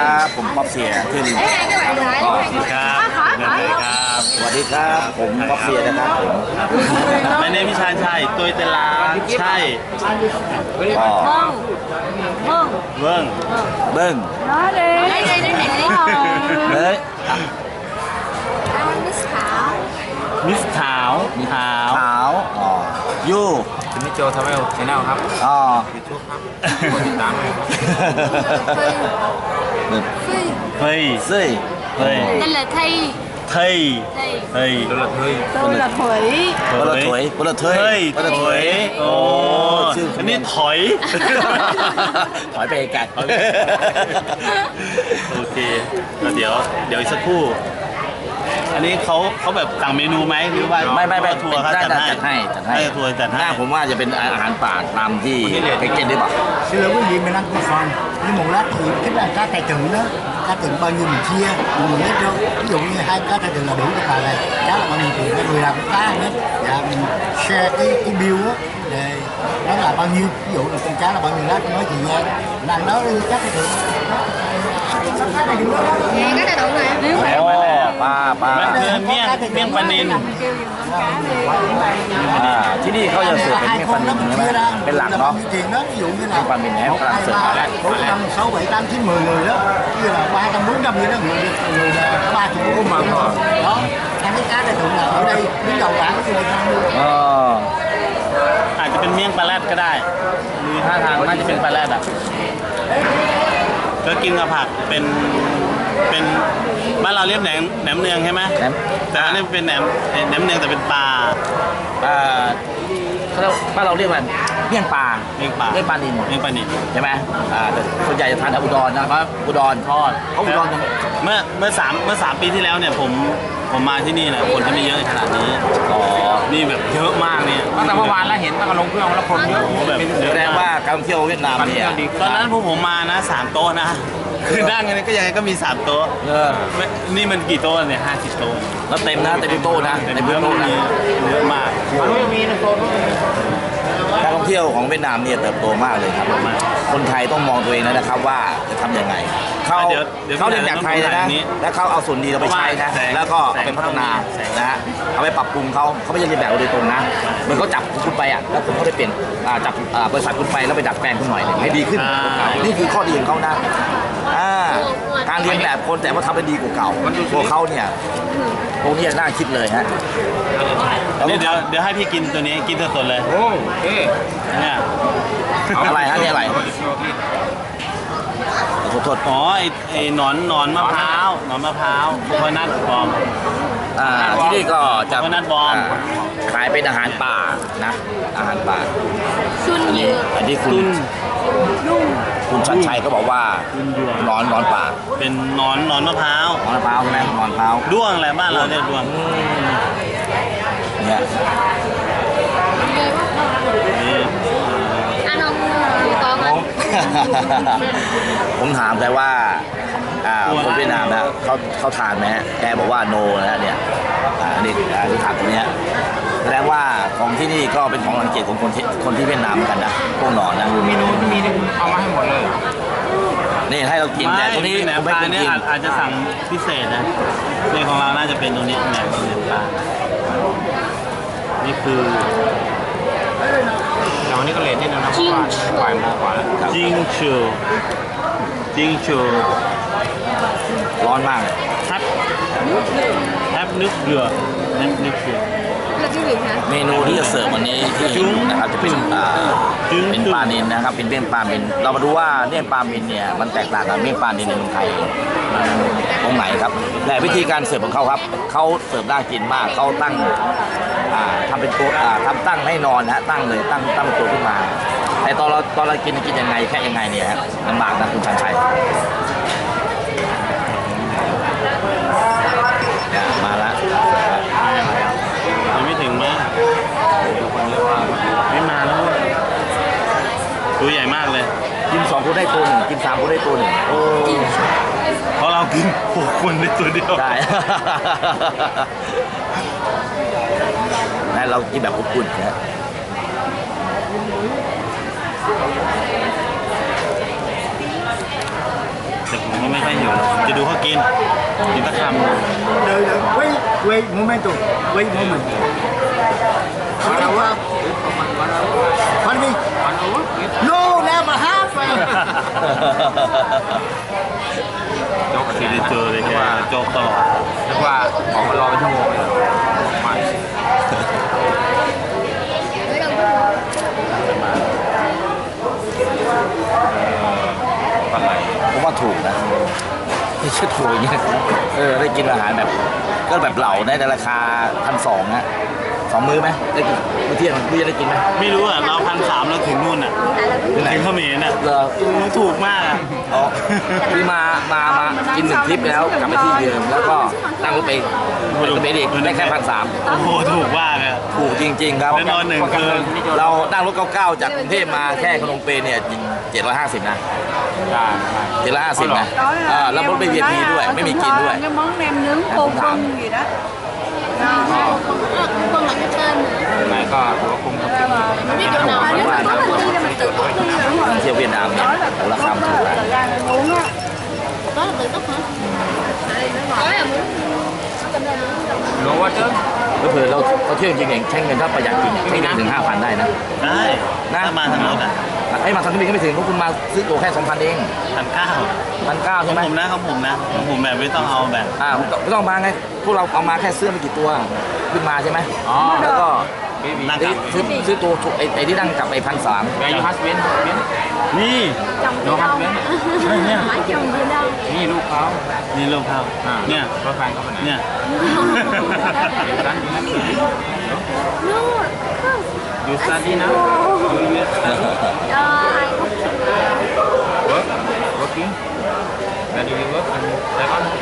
ครับผมป๊อปเสียขึ้นครับสวัสดีครับผมป๊อปเสียนะครับผมในเนมิชาชัยตัวเตลาใช่ก็เบิ้งเบิ้ง Nói đi. Lấy đi, lấy mẹ lấy thôi. เฮ้ยมิสขาวขาวขาวอ๋อยูคุณนิโจทำให้ชแนลครับอ๋อยูทูบครับกดติดตามเลยครับเฮ้ยซี่เฮ้ย Tên là Thi. เฮ้ยเฮ้ยโดนละเฮ้ย Tôi là Thủy. ปลาถวยปลาถวยเฮ้ยปลาถวยโอ้ชื่ออันนี้ถอยถอยไปไกลโอเคแล้วเดี๋ยวอีกสักครู่ อันนี้เขาแบบสั่งเมนูไหมหรือว่าไม่ทัวร์เขาจัดให้จัดให้ทัวร์จัดหให้น้าผมว่าจะเป็นอาหารป่าตามที่แพ็กเกจได้ป่ะ Xin lỗi quý vị, mình ăn cơm phần. Nhưng một lát thì cái là cá tài tử đó, cá tử bao nhiêu mình chia, mình hết đâu. Ví dụ như 2 cá tài tử là đủ cho bà này, cá là bao nhiêu tiền, người làm cái cá hết. Dạ mình share cái bill á, để nó là bao nhiêu, ví dụ là con cá là bao nhiêu lát tôi nói chị nghe. Mình ăn đó đi cá tài tử. Cá tài tử đó. Nè, cái này đụng nè. โอ้ปลามันคือเมี่ยงปลานิลที่นี่เขาจะเสิร์ฟเป็น Hai เมี่ยงปลา con นิ đó ล mình ใช่ไหม chia ra, เป็นหลัก là เนาะ bao nhiêu tiền đó, ví dụ như là มี่ยงปลานิลให้ 1, กำลัง 2, เสิร์ฟมาแล้ว 3, 4, 5, 6, 7, 8, 9, 10 người đó. Như là 300, 400 vậy đó, người là 30 của mình thôi. Đó, ăn cái cá này thường là ở đây đứng đầu bảng cái người ăn luôn. อ๋ออาจจะเป็นเมี่ยงปลาแรดก็ได้มีท่าทางน่าจะเป็นปลาแรดอ่ะก็กินกับผักเป็นบ้านเราเรียกแหนมเนืองใช่ไหมแหนมแต่อันนี้เป็นแหนมเนืองแต่เป็นปลาเขาเรียกบ้านเราเรียกว่าเมี่ยงปลาเมี่ยงปลาเมี่ยงปลานิลเมี่ยงปลานิลใช่ไหมแต่ส่วนใหญ่จะทานแถวอุดรนะครับอุดรทอดเขาอุดรเมื่อสามปีที่แล้วเนี่ยผมมาที่นี่แหละคนจะไม่เยอะขนาดนี้อ๋อนี่แบบเยอะมากเนี่ยตั้งแต่เมื่อวานแล้วเห็นตั้งแต่ลงเครื่องแล้วคนเยอะโอ้โหแบบเยแสอะดงมากว่าการท่องเที่ยวเวียดนามเนี่ยตอนนั้นพวกผมมานะ3 โต๊ะนะคือนั่งกันก็ยังไงก็มี3 โต๊ะเออนี่มันกี่โต๊ะเนี่ย50 โต๊ะแล้วเต็มนะเต็มโต๊ะนะเต็เต็มมเยอะโต๊ะมากนะเยอะมากมันไม่มีนะโซนการท่องเที่ยวของเวียดนามเนี่ยเติบโตมากเลยครับ คนไทยต้องมองตัวเองนะครับว่าจะทำยังไงเขาเรียนจากไทยนะแล้วเขาเอาส่วนดีเราไปใช้นะแล้วก็เอาไปพัฒนานะฮะเอาไปปรับปรุงเขาไม่ใช่เรียนแบบเราโดยตรงนะเหมือนเขาจับคุณไปอ่ะแล้วคุณก็ได้เปลี่ยนจับบริษัทคุณไปแล้วไปดัดแปลงคุณหน่อยให้ดีขึ้นนี่คือข้อดีของเขานะการเรียนแบบคนแต่ว่าทำให้ดีกว่าเก่าพวกเขาเนี่ยพวกนี้น่าคิดเลยฮะเดี๋ยวให้พี่กินตัวนี้กินสดๆเลยโอ้เอ๊ะเนี่ยอะไรฮะนี่อะไรโทษอ๋อไอ้หนอนมะพร้าวโคโคนัทบอมที่นี่ก็จะโคโคนัทบอมขายเป็นอาหารป่านะอาหารป่า Xuân อันนี้ dừa. คุณชัดชัยก็บอกว่าหนอนป่าเป็นหนอนมะพร้าวหนอนมะพร้าวใช่ไหมหนอนมะพร้าวด้วงอะไรบ้านเราเรียกด้วงเนี่ยนี่ Ăn không con ผม ผมถามแต่ว่าคนเวียดนามนะเขาทานไหมฮะแกบอกว่าโนนะฮะเนี่ยนี่ที่ถามตรงเนี้ยแสดงว่าของที่นี่ก็เป็นของรังเกียจของคนที่เวียดนามเหมือนกันนะพวกหนอนนะเมนูที่มีนี่คุณเอามาให้หมดเลยเหรอนี่ให้เรากินแต่ตรงนี้แหนมผมปไม่ลาเคยเนี่ยกินอาจจะสั่งพิเศษนะในของเราน่าจะเป็นตัวนี้แหนมปลานี่คือแต่วันนี้ก็เลทนิดนึงนะเพราะว่าบ่ายโมงกว่าแล้วจิงชูร้อนมากเลยแทบนึกเรือนึกเรือ Là cái gì hả? เมนูที่จะเสิร์ฟวันนี้ที่เห็นนะครับจะเป็นเป็นปลานิลนะครับเป็นเมี่ยงปลานิลเรามาดูว่าเมี่ยงปลานิลเนี่ยมันแตกต่างกับเมี่ยงปลานิลในเมืองไทยตรงไหนครับและวิธีการเสิร์ฟของเขาครับเขาเสิร์ฟน่ากินมากเขาตั้งทำเป็นตัวทำตั้งให้นอนนะฮะตั้งเลยตั้งเป็นตัวขึ้นมาแต่ตอนเรากินยังไงแค่ยังไงเนี่ยฮะลำบากนะคุณชันชัยมาแล้วยังไม่ถึงมั้ยไม่มาแล้วตัวใหญ่มากเลยกิน2 คนได้ตัวหนึ่งกิน3 คนได้ตัวหนึ่งโอ้เพราะเรากิน6 คนในตัวเดียวได้ นั่นเรากินแบบอบอุ่นนะแต่ผมก็ไม่ค่อยหิวหรอกจะดูเขากินตะคำ Đợi, wait momento, wait moment. Pardon me? No, never happen. โจ๊กไม่ได้เจอเลยแกโจ๊กตลอดนึกว่าออกมารอเป็นชั่วโมงเลยมา Mới đâu có ปลาไหลผมว่าถูกนะไม่ใช่ถูกอย่างเงี้ยได้กินอาหารแบบก็แบบเหล่าในราคา1,200นะ2 มื้อไหมได้กินมื้อเที่ยงมื้อจะได้กินไหมไม่รู้อ่ะเรา1,300เราถึงนู่นอ่ะ tại là ถึงเขมรอ่ะเหรอถูกมากอ่ะอ๋อพี่มากิน1 ทริปแล้วกลับไปที่เดิมแล้วก็นั่งรถไปเมดิกได้แค่1,300 โอ้โหถูกมากอ่ะถูกจริงๆครับแล้วนอน1 คืนเรานั่งรถ99จากกรุงเทพมาแค่ขนมเปญเนี่ย750นะใช่ใช่ 750นะแล้วรถไม่ VIP ด้วยไม่มีกินด้วย cái món nem nướng cô vân gì đó con là cái tên nữa ไหนก็ถือว่าคุ้มครับ mình biết chỗ nào nếu mà có mình đi là mình tự túc đi rồi เที่ยวเวียดนามเนี่ยราคาถูกนะ thời gian uống á đó là tự túc hả có là muốn cầm ra muốn รู้ว่าเจ้าก็คือเราเที่ยวจริงๆใช้เงินถ้าประหยัดจริงใช้เงินถึง 5,000 ได้นะได้ถ้ามาทางรถอ่ะไอ้มาทางนี้ก็ไม่ถึงเพราะคุณมาซื้อตั๋วแค่ 2,000 เอง 1,900 1,900 ใช่ไหมของผมแบบไม่ต้องเอาแบบไม่ต้องมาไงพวกเราเอามาแค่เสื้อไม่กี่ตัวขึ้นมาใช่ไหมแล้วก็นั่งกลับซื้อตัวไอ้ที่นั่งกลับไป1,300 แกยูฮัสเวนเวนนี่ chồng Nó đi hấp đâu miếng. hỏi chồng đi đâu นี่ลูกเขานี่ลูกเขาเนี่ยรถแฟนเขาไปไหนเนี่ย no ยูสตาดีนะ ai เวิร์ก working where do you work in Saigon